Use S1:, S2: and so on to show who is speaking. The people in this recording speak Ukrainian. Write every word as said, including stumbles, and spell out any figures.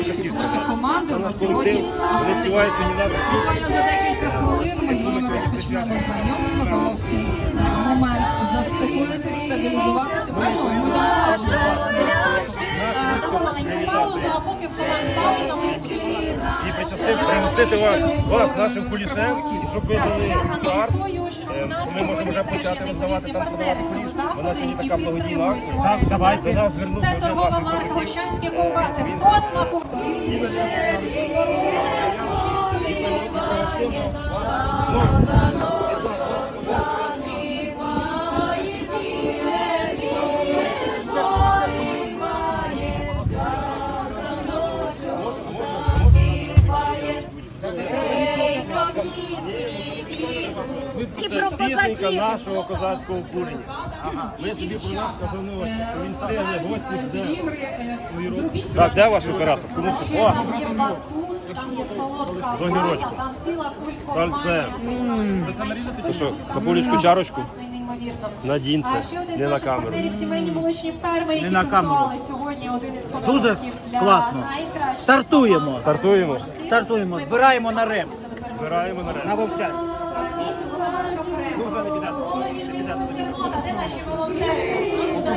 S1: творчі команди. У нас сьогодні буквально за декілька хвилин ми з вами розпочнемо знайомство. Дамо всім момент заспокоїтись, стабілізуватися. Правильно? Ми
S2: дамо маленьку паузу, а поки в команд пауза ми
S3: і примістити вас, вас нашим кулісем, і щоб ви дали старт. Ми можемо вже почати роздавати там продавати куліс. У нас сьогодні така благодійна акція.
S4: Так, давайте.
S3: До нас звернувся
S2: це
S3: один
S2: торгова
S3: наш
S2: марка Гощанські ковбаси. Хто смакує?
S3: Це пісенька нашого козацького курення. Ми собі про нас казали, що він стигне, гості жде. Так, де ваш оператор? Кому це? О! З огірочком. Сальце. Це що, капулечку, чарочку? Надінь це, не на камеру.
S4: Не на камеру. Дуже класно. Стартуємо.
S3: Стартуємо.
S4: Стартуємо. Збираємо на реп.
S3: Збираємо на
S4: На вовчанці.
S2: Де наші волонтери?